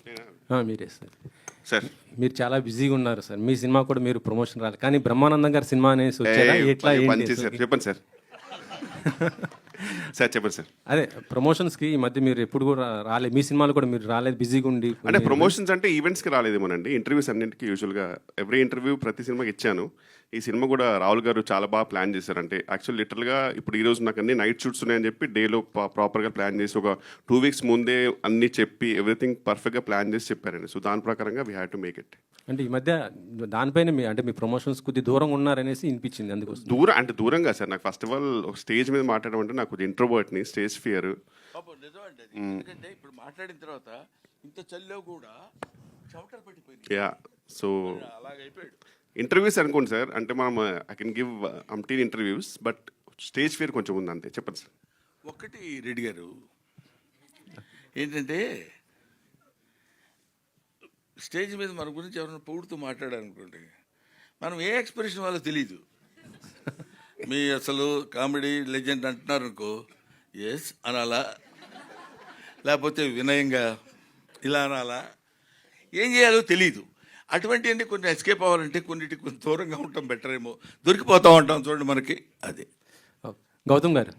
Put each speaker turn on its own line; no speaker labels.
మీరే sir.
Sir
మీరు చాలా బిజీగా ఉన్నారు సార్. మీ సినిమా కూడా మీరు ప్రమోషన్ రాలేదు, కానీ బ్రహ్మానందం గారి సినిమా అనేసి వచ్చారా? ఎట్లా ఏంటి
సార్ చెప్పండి సార్. సార్ చెప్పండి సార్.
అదే ప్రమోషన్స్కి ఈ మధ్య మీరు ఎప్పుడు కూడా రాలేదు, మీ సినిమాలు కూడా మీరు రాలేదు, బిజీగా ఉండి.
అంటే ప్రమోషన్స్ అంటే ఈవెంట్స్కి రాలేదేమోనండి, ఇంటర్వ్యూస్ అన్నింటికి యూజువల్గా ఎవ్రీ ఇంటర్వ్యూ ప్రతి సినిమాకి ఇచ్చాను. ఈ సినిమా కూడా రాహుల్ గారు చాలా బాగా ప్లాన్ చేశారు. అంటే యాక్చువల్ లిటరల్గా ఇప్పుడు ఈ రోజు నాకు అన్ని నైట్ షూట్స్ ఉన్నాయని చెప్పి డేలో ప్రాపర్గా ప్లాన్ చేసి ఒక 2 weeks ముందే అన్ని చెప్పి ఎవ్రీథింగ్ పర్ఫెక్ట్గా ప్లాన్ చేసి చెప్పారండి. సో దాని ప్రకారంగా we had to make it.
అంటే ఈ మధ్య దానిపైన మీ ప్రమోషన్స్ కొద్ది దూరంగా ఉన్నారనేసి వినిపించింది, అందుకోసం.
దూరంగా సార్, నాకు ఫస్ట్ ఆఫ్ ఆల్ ఒక స్టేజ్ మీద మాట్లాడడం అంటే నాకు ఇంట్రోవర్ట్ని, స్టేజ్ ఫియర్.
నిజమండి అది. ఎందుకంటే ఇప్పుడు మాట్లాడిన తర్వాత ఇంత చల్లో కూడా చెమటలు పట్టిపోయింది.
యా, సో
అలాగైపోయాడు.
ఇంటర్వ్యూస్ అనుకోండి సార్, అంటే మనం ఐ కెన్ గివ్ అంటీన్ ఇంటర్వ్యూస్, బట్ స్టేజ్ ఫియర్ కొంచెం ఉంది అంతే. చెప్పండి సార్.
ఒక్కటి రెడ్డి గారు ఏంటంటే స్టేజ్ మీద మన గురించి ఎవరైనా పొగుడుతూ మాట్లాడారనుకోండి, మనం ఏ ఎక్స్ప్రెషన్ వాళ్ళో తెలీదు. మీ అసలు కామెడీ లెజెండ్ అంటున్నారు అనుకో, ఎస్ అనాలా, లేకపోతే వినయంగా ఇలా అనాలా, ఏం చేయాలో తెలీదు. అటువంటి అన్ని కొన్ని ఎస్కేప్ అవ్వాలంటే కొన్నిటికి కొంచెం దూరంగా ఉండటం బెటర్ ఏమో. దొరికిపోతూ ఉంటాం చూడండి మనకి. అదే
గౌతమ్ గారు,